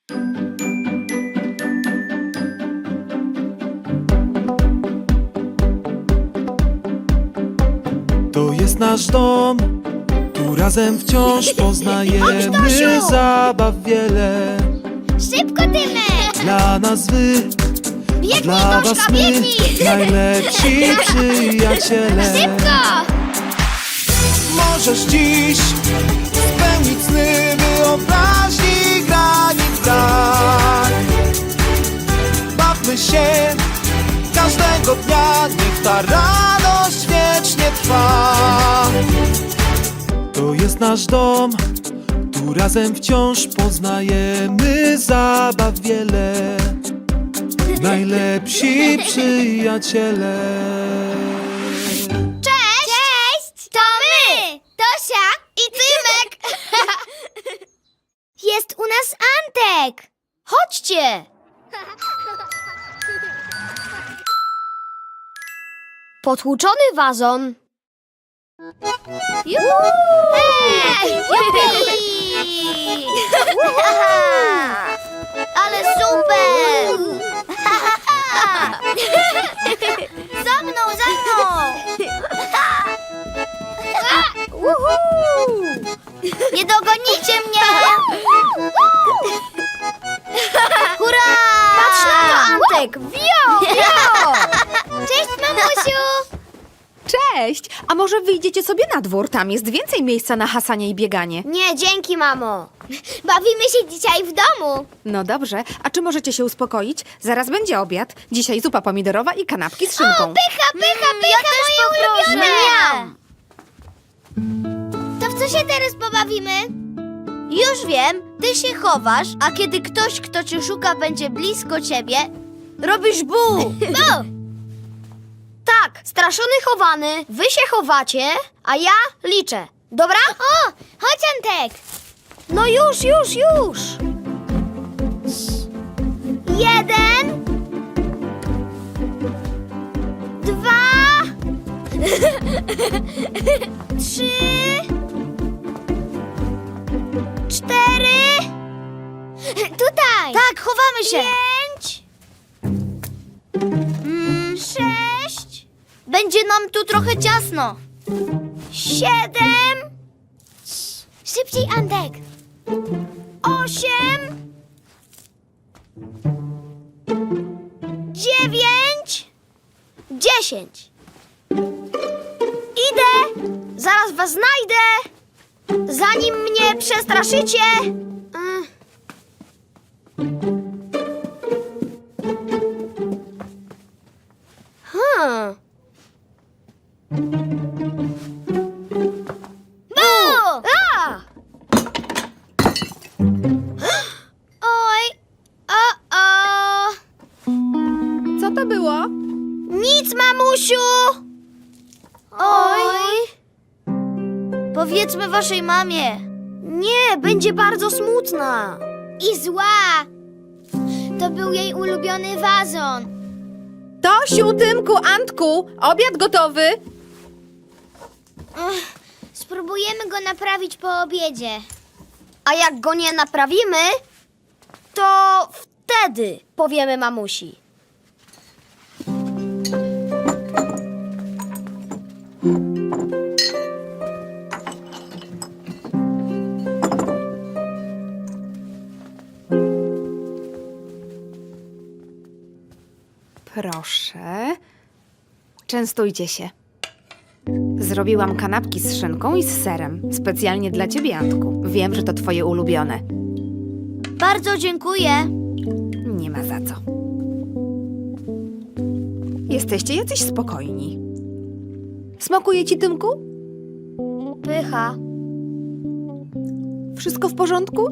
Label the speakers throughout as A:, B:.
A: To jest nasz dom, tu razem wciąż poznajemy
B: Tosiu!
A: zabaw wiele.
B: Szybko, Tymek!
A: Dla nas wy, a
B: Biegnij,
A: dla was
B: Toszka,
A: my,
B: biegnij!
A: najlepsi przyjaciele.
B: Szybko!
A: Możesz dziś spełnić sny, wyobraźni granic brak. Bawmy się każdego dnia, niech ta radość wiecznie trwa. To jest nasz dom, tu razem wciąż poznajemy zabaw wiele. Najlepsi przyjaciele.
B: Cześć! Cześć! To my! Tosia i Tymek! Jest u nas Antek! Chodźcie! Potłuczony wazon. Juhu! Hej! Jupi! Ale super! Za mną, za mną! Nie dogonicie mnie! Hurra! Patrz na to, Antek! Wio! Wio! Cześć, mamusiu!
C: Cześć! A może wyjdziecie sobie na dwór? Tam jest więcej miejsca na hasanie i bieganie.
B: Nie, dzięki, mamo. Bawimy się dzisiaj w domu.
C: No dobrze, a czy możecie się uspokoić? Zaraz będzie obiad. Dzisiaj zupa pomidorowa i kanapki z szynką.
B: Pycha, moje ulubione! To w co się teraz pobawimy? Już wiem, ty się chowasz, a kiedy ktoś, kto cię szuka, będzie blisko ciebie, robisz bu! Bu! Tak, straszony chowany, wy się chowacie, a ja liczę. Dobra? O, chodź, Antek! No już! 1, 2, 3, 4. Tutaj! Tak, chowamy się! 5, 6. Będzie nam tu trochę ciasno. 7. Szybciej, Antek. 8. 9. 10. Idę! Zaraz was znajdę! Zanim mnie przestraszycie! Bu! A! Oj! O!
C: Co to było?
B: Nic, mamusiu! Oj! Powiedzmy waszej mamie. Nie, będzie bardzo smutna. I zła. To był jej ulubiony wazon.
C: Tosiu, Tymku, Antku, obiad gotowy.
B: Spróbujemy go naprawić po obiedzie. A jak go nie naprawimy, to wtedy powiemy mamusi.
C: Proszę. Częstujcie się. Zrobiłam kanapki z szynką i z serem. Specjalnie dla ciebie, Antku. Wiem, że to twoje ulubione.
B: Bardzo dziękuję.
C: Nie ma za co. Jesteście jacyś spokojni. Smakuje ci, Tymku?
B: Pycha.
C: Wszystko w porządku?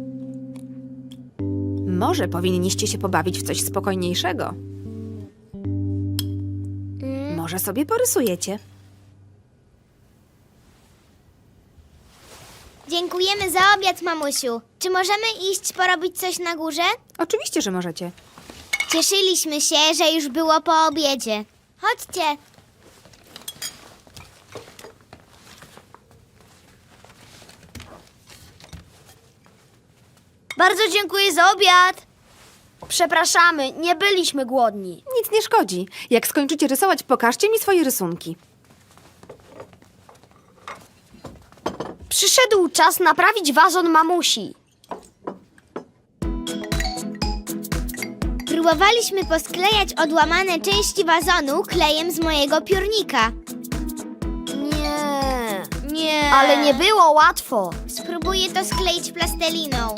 C: Może powinniście się pobawić w coś spokojniejszego. Może sobie porysujecie.
B: Dziękujemy za obiad, mamusiu. Czy możemy iść porobić coś na górze?
C: Oczywiście, że możecie.
B: Cieszyliśmy się, że już było po obiedzie. Chodźcie. Bardzo dziękuję za obiad.
D: Przepraszamy, nie byliśmy głodni.
C: Nic nie szkodzi. Jak skończycie rysować, pokażcie mi swoje rysunki.
D: Przyszedł czas naprawić wazon mamusi.
B: Próbowaliśmy posklejać odłamane części wazonu klejem z mojego piórnika. Nie.
D: Ale nie było łatwo.
B: Spróbuję to skleić plasteliną.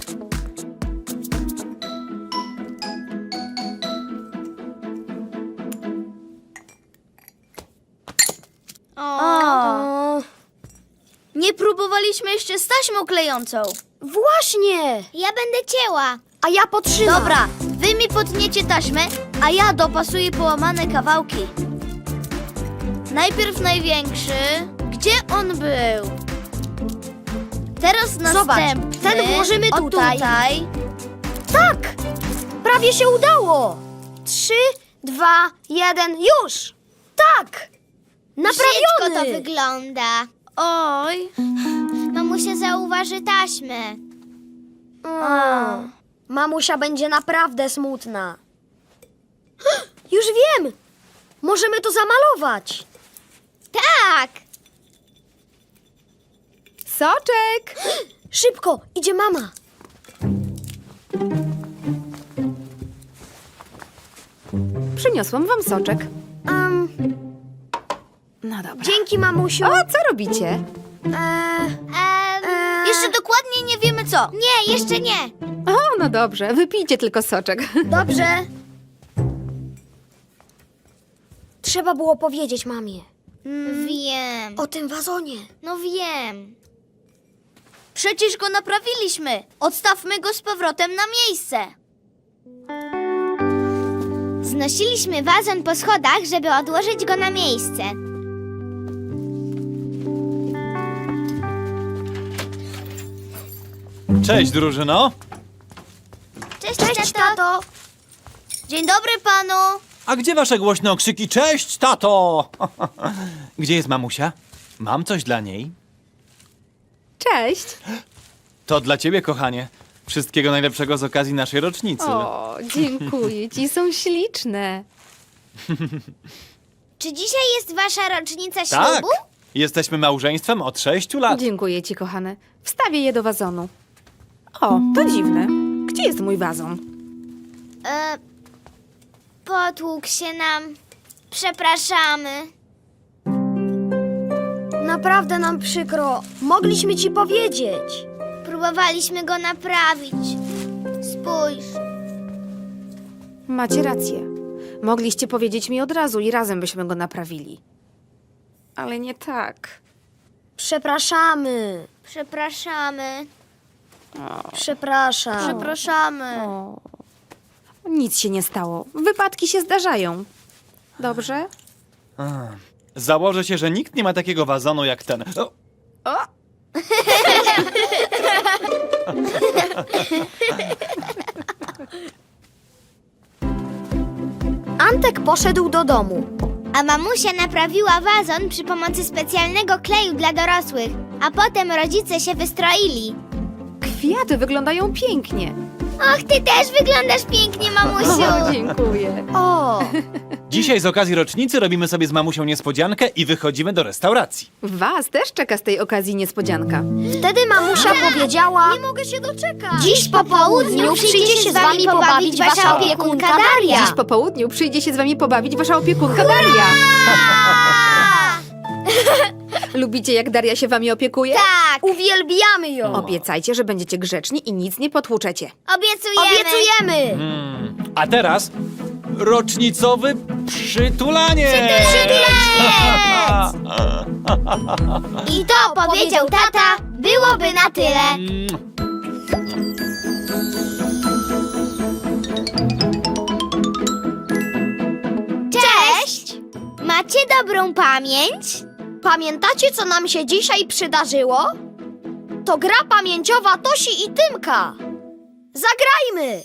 D: O.
B: Nie próbowaliśmy jeszcze z taśmą klejącą.
D: Właśnie.
B: Ja będę cięła.
D: A ja potrzymam.
B: Dobra, wy mi potniecie taśmę, a ja dopasuję połamane kawałki. Najpierw największy. Gdzie on był? Teraz
D: Zobacz,
B: następny.
D: ten włożymy
B: O,
D: tutaj. Tak! Prawie się udało. 3, 2, 1, już! Tak!
B: Brzydko
D: Naprawiony!
B: to wygląda. Oj. Mamusia zauważy taśmę.
D: Mamusia będzie naprawdę smutna. Już wiem! Możemy to zamalować.
B: Tak.
C: Soczek!
D: Szybko, idzie mama.
C: Przyniosłam wam soczek. No dobra.
D: Dzięki, mamusiu.
C: O, co robicie?
B: Jeszcze dokładnie nie wiemy co. Nie, jeszcze nie.
C: O, no dobrze. Wypijcie tylko soczek.
D: Dobrze. Trzeba było powiedzieć mamie
B: Wiem.
D: o tym wazonie.
B: No wiem. Przecież go naprawiliśmy. Odstawmy go z powrotem na miejsce. Znosiliśmy wazon po schodach, żeby odłożyć go na miejsce.
A: Cześć, drużyno.
B: Cześć, tato. Dzień dobry panu.
A: A gdzie wasze głośne okrzyki? Cześć, tato! Gdzie jest mamusia? Mam coś dla niej.
C: Cześć.
A: To dla ciebie, kochanie. Wszystkiego najlepszego z okazji naszej rocznicy.
C: O, dziękuję ci. Są śliczne.
B: Czy dzisiaj jest wasza rocznica
A: Tak,
B: ślubu?
A: jesteśmy małżeństwem od 6 lat.
C: Dziękuję ci, kochane. Wstawię je do wazonu. O, to dziwne. Gdzie jest mój wazon?
B: Potłukł się nam. Przepraszamy.
D: Naprawdę nam przykro. Mogliśmy ci powiedzieć.
B: Próbowaliśmy go naprawić. Spójrz.
C: Macie rację. Mogliście powiedzieć mi od razu i razem byśmy go naprawili. Ale nie tak.
D: Przepraszamy.
B: Przepraszamy.
D: Przepraszam.
B: Przepraszamy.
C: O. Nic się nie stało. Wypadki się zdarzają. Dobrze?
A: Założę się, że nikt nie ma takiego wazonu jak ten. O,
C: O!
D: Antek poszedł do domu.
B: A mamusia naprawiła wazon przy pomocy specjalnego kleju dla dorosłych, a potem rodzice się wystroili.
C: Kwiaty wyglądają pięknie.
B: Och, ty też wyglądasz pięknie, mamusiu.
C: O, dziękuję.
D: O,
A: dzisiaj z okazji rocznicy robimy sobie z mamusią niespodziankę i wychodzimy do restauracji.
C: Was też czeka z tej okazji niespodzianka.
D: wtedy mamusia powiedziała...
B: Nie mogę się doczekać.
D: Dziś po południu przyjdzie się z wami pobawić wasza opiekunka Daria.
C: Dziś po południu przyjdzie się z wami pobawić wasza opiekunka Daria. Lubicie, jak Daria się wami opiekuje?
B: Tak,
D: Uwielbiamy ją.
C: Obiecajcie, że będziecie grzeczni i nic nie potłuczecie.
B: obiecujemy.
D: Obiecujemy.
A: A teraz rocznicowy przytulanie!
B: I to powiedział tata, byłoby na tyle. Cześć! Macie dobrą pamięć?
D: Pamiętacie, co nam się dzisiaj przydarzyło? To gra pamięciowa Tosi i Tymka. Zagrajmy!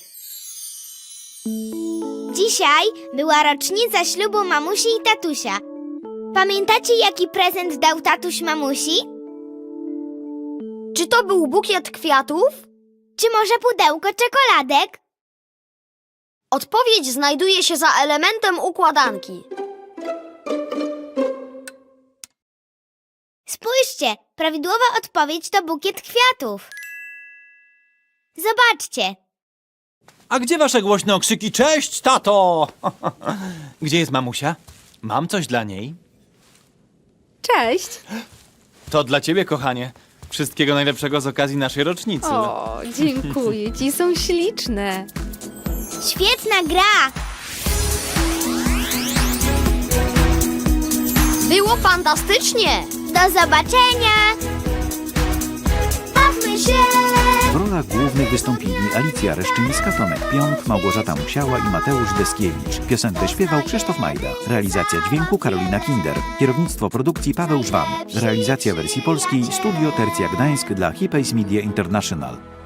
B: Dzisiaj była rocznica ślubu mamusi i tatusia. Pamiętacie, jaki prezent dał tatuś mamusi?
D: Czy to był bukiet kwiatów?
B: Czy może pudełko czekoladek?
D: Odpowiedź znajduje się za elementem układanki.
B: Spójrzcie, prawidłowa odpowiedź to bukiet kwiatów. Zobaczcie.
A: A gdzie wasze głośne okrzyki? Cześć, tato! Gdzie jest mamusia? Mam coś dla niej.
C: Cześć!
A: To dla ciebie, kochanie. Wszystkiego najlepszego z okazji naszej rocznicy.
C: O, dziękuję ci, są śliczne.
B: Świetna gra.
D: Było fantastycznie!
B: Do zobaczenia. Bawmy się.
E: W rolach głównych wystąpili Alicja Reszczyńska, Tomek Pionk, Małgorzata Musiała i Mateusz Deskiewicz. Piosenkę śpiewał Krzysztof Majda. Realizacja dźwięku Karolina Kinder. Kierownictwo produkcji Paweł Żwan. Realizacja wersji polskiej Studio Tercja Gdańsk dla Hipays Media International.